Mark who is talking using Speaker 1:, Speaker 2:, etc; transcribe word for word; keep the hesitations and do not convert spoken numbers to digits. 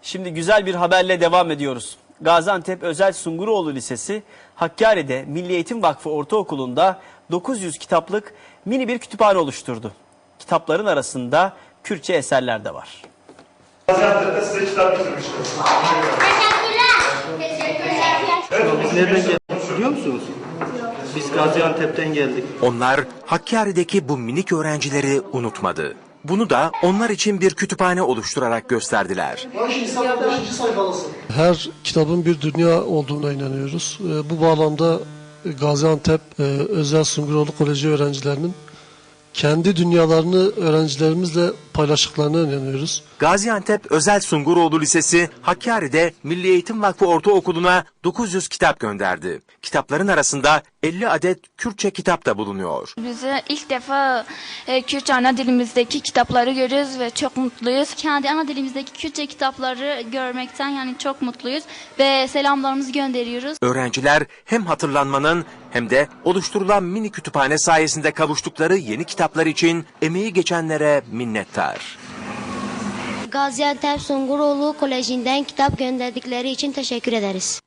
Speaker 1: Şimdi güzel bir haberle devam ediyoruz. Gaziantep Özel Sunguroğlu Lisesi Hakkari'de Milli Eğitim Vakfı Ortaokulu'nda dokuz yüz kitaplık mini bir kütüphane oluşturdu. Kitapların arasında Kürtçe eserler de var.
Speaker 2: Gaziantep'te size kitap getirmişler.
Speaker 3: Biz nereden geldik biliyor musunuz? Biz Gaziantep'ten geldik.
Speaker 4: Onlar Hakkari'deki bu minik öğrencileri unutmadı. Bunu da onlar için bir kütüphane oluşturarak gösterdiler.
Speaker 5: Her kitabın bir dünya olduğuna inanıyoruz. Bu bağlamda Gaziantep Özel Sunguroğlu Koleji öğrencilerinin kendi dünyalarını öğrencilerimizle paylaştıklarına inanıyoruz.
Speaker 4: Gaziantep Özel Sunguroğlu Lisesi Hakkari'de Milli Eğitim Vakfı Ortaokulu'na dokuz yüz kitap gönderdi. Kitapların arasında elli adet Kürtçe kitap da bulunuyor.
Speaker 6: Bize ilk defa e, Kürtçe ana dilimizdeki kitapları görüyoruz ve çok mutluyuz. Kendi ana dilimizdeki Kürtçe kitapları görmekten yani çok mutluyuz ve selamlarımızı gönderiyoruz.
Speaker 4: Öğrenciler hem hatırlanmanın hem de oluşturulan mini kütüphane sayesinde kavuştukları yeni kitaplar için emeği geçenlere minnettar.
Speaker 7: Gaziantep Sunguroğlu Koleji'nden kitap gönderdikleri için teşekkür ederiz.